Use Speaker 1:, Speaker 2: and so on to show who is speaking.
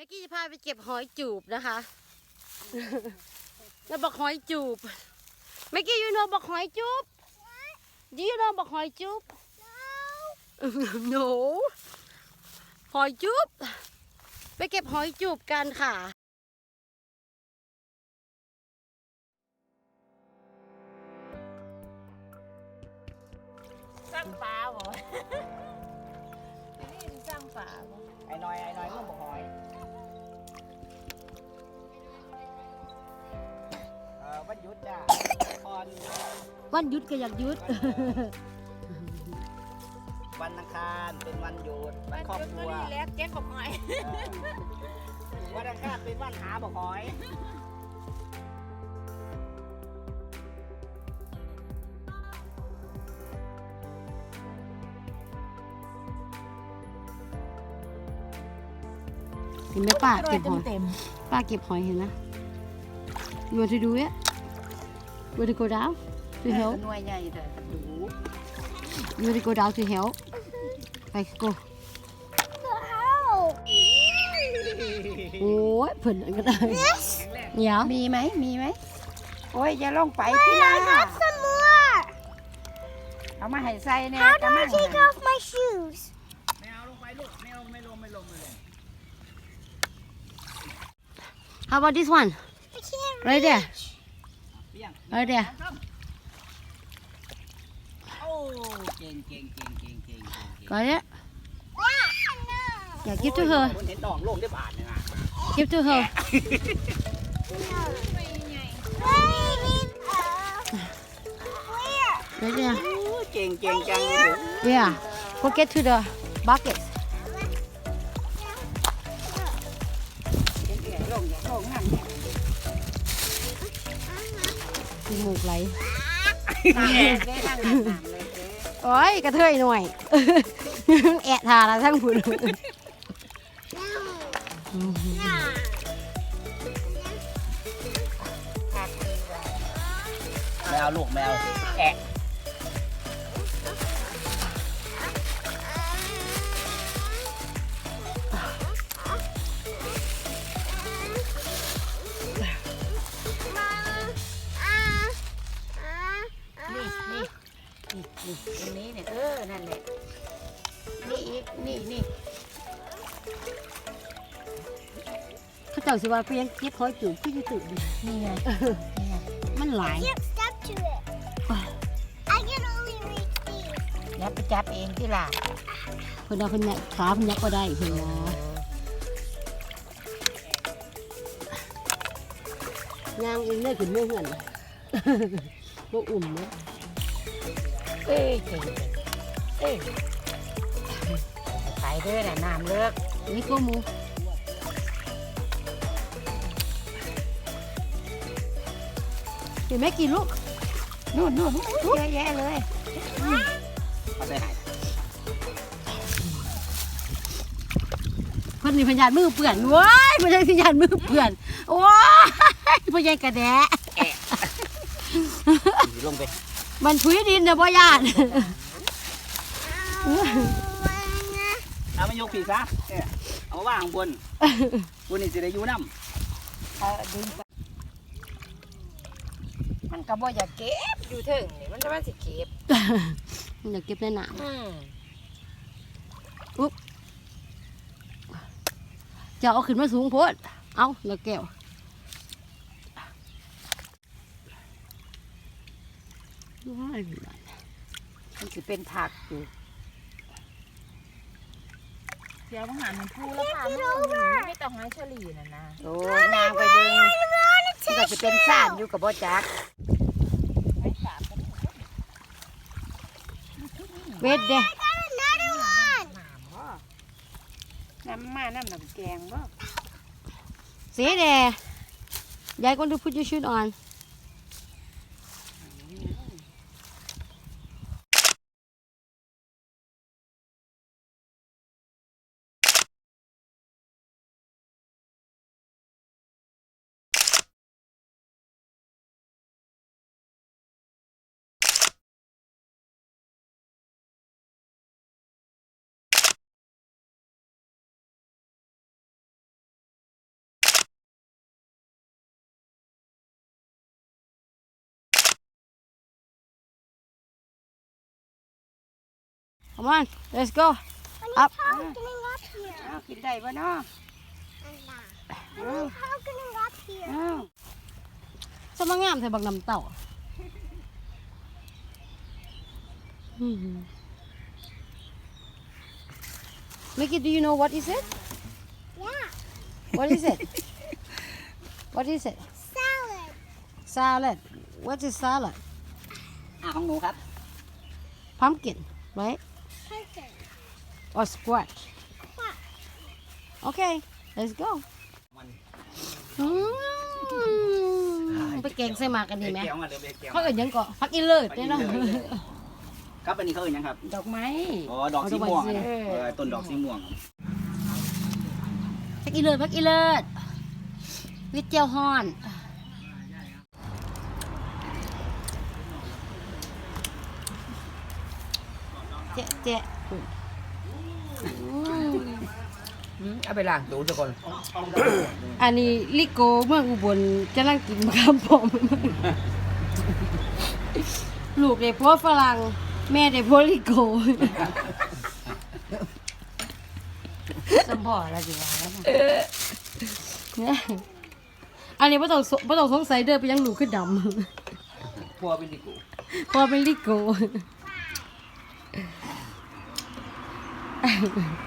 Speaker 1: มื่อกี้จะพาไปเก็บหอยจูบนะคะแล้วบอกหอยจูบเมื่อกี้ยูโนบอกหอยจูบยูโนบอกหอยจูบ no หอยจูบไปเก็บหอยจูบกันค่ะ
Speaker 2: สร้างปลาบ่ที่นี่สร้างปลาบ่
Speaker 3: ไอ้น้อยก็บอกหอยวันหยุดจ้ะ
Speaker 1: วันหยุดก็อยากหยุด
Speaker 3: วันอังคารเป็นวันหยุดวันครอบครัว
Speaker 2: นี่แหละเจ๊กบอกหอย
Speaker 3: วันอังคารเป็นวันหาบอกหอย
Speaker 1: เห็นไหมป้าเก็บหอยป้าเก็บหอยเห็นนะ You want to do it? You want to go down to help?
Speaker 2: หน่วยใหญ่แต่ดู
Speaker 1: You want to go down to help? ไป go โอ้ยเพิ่นก็ได้เดี๋ยว
Speaker 2: มีไหมโอ้ยอย่าลงไปพี่นาเอามาให้ใส่เนี่ยกระมัง
Speaker 4: Take off my shoes.
Speaker 3: ไม่เอาลงไปลูกไม่ลง
Speaker 1: How about this one?
Speaker 4: I can't
Speaker 1: Right there.
Speaker 3: เปี้ยง
Speaker 1: Right there.
Speaker 3: โอ้เก่ง
Speaker 1: Got it?
Speaker 4: No.
Speaker 1: Yeah, give to her.
Speaker 3: คนเห็นดองลงได้บาทเนี่ยนะ
Speaker 1: Give to her.
Speaker 4: Where?
Speaker 1: Right there.
Speaker 3: เก่งจังเลย
Speaker 1: Yeah. Go get to the bucket.
Speaker 2: ลงนั่น
Speaker 1: จมูกไหล
Speaker 2: น้ำเลยนั่งน้ำเลย
Speaker 1: โอ้ยกระเทยหน่อย แอะทาละทั้งผุน
Speaker 3: แมวลูกแมวแอะ
Speaker 2: นี่ตรงนี้เนี่ยนั่นแหละนี่อีกนี่
Speaker 1: เขาเจ้าสิว่าเพียงเก็บหอยจูบพี่จะตื่นดิ
Speaker 2: นี่ไง
Speaker 1: มันหลาย
Speaker 4: Can't step to it. I can only reach these.
Speaker 2: แล้วไปจับเองที่ล่ะ
Speaker 1: เพิ่นเอาเพิ่นเนี่ยขาเพิ่นยักก็ได้เพิ่นว่าย่างเองเนี่ยขึ้นเมื่อเหือน บ่อุ่มเนาะ
Speaker 2: เอ้ยเก่งไปเด้อน่ะน้ำเลิก
Speaker 1: นี่ก็หมูเห็นไหมกี่ลูก
Speaker 2: นู่นเยอะแยะเลย
Speaker 3: เอาไปไหน
Speaker 1: เพิ่นนี่พยานมือเปื่อนว้ายไม่ใช่พยานมือเปื่อนว้ายพยานกระแดะ
Speaker 3: ลงไป
Speaker 1: มันถุยดินนะพ่อยาน
Speaker 3: เอามายกผีซะเอามาว่างข้างบนบนนี่สิได้อยู่น้ำ
Speaker 2: ดึงไปมันก็บ่อยากเก็บอยู่ถึงนี่มันจะว่าสิเก็บ
Speaker 1: อยากเก็บในหนามจะเอาขึ้นมาสูงโพดเอาแล้วแก้วว้าย
Speaker 2: มันสิเป็นผักอยู่เดี๋ยวมาหามันพูแล้วค่ะมันไม่ต้องให้เฉลี่ยนะโอ้นางไปเบิ่งมันก็สิเป็นซ่านอยู่กับบ่จัก
Speaker 1: เบ็ดเด้
Speaker 4: Another one.
Speaker 2: น้ำน้ำแกงบ่
Speaker 1: สีแดงยาย going to put your shoes on Come on, let's go. Up.
Speaker 4: Getting up here.
Speaker 2: อ้าวกินได้ปะเนาะ
Speaker 4: How getting up here?
Speaker 2: อ้าว
Speaker 1: สมังงามใส่บักน้ำเต่าMickey, do you know what is it?
Speaker 4: Yeah.
Speaker 1: What is it? What is it?
Speaker 4: Salad.
Speaker 1: Salad. What is salad?
Speaker 3: ของหนูครับ
Speaker 1: Pumpkin, right?
Speaker 4: Pumpkin.
Speaker 1: Or squash?
Speaker 4: Squash.
Speaker 1: Okay, let's go. อืมไปแกงใส่หมากกันดีไหม
Speaker 3: เกี่ยวมาเดี๋ยวเกี่ยว
Speaker 1: เขาเอ่ยยังเกาะพักอีเลิศเนี่ยเนาะ
Speaker 3: ครับอันนี้เขาเอ่ยยังครับ
Speaker 2: ดอกไม้
Speaker 3: อ๋อดอกสีม่วง
Speaker 1: เอาดอกไม้สิ
Speaker 3: ต้นดอกสีม่วง
Speaker 1: พักอีเลิศพักอีเลิศวิทเจียวฮอนเจ๊เจ๊
Speaker 2: เอาไปล้างตู้ทุกคน
Speaker 1: อันนี้ลิโกเมืองอุบลกำลังกินข้าวผมลูกเด็กพ่อฝรั่งแม่เด็กพ่อลิโก
Speaker 2: สมพอแล้วสิว่าแล้วนะ
Speaker 1: เนี่ยอันนี้ไม่ต้องสงสัยเด้อไปยังหนูขึ้นด
Speaker 3: พัวเป็นดิกู
Speaker 1: ำพอเป็นลิโก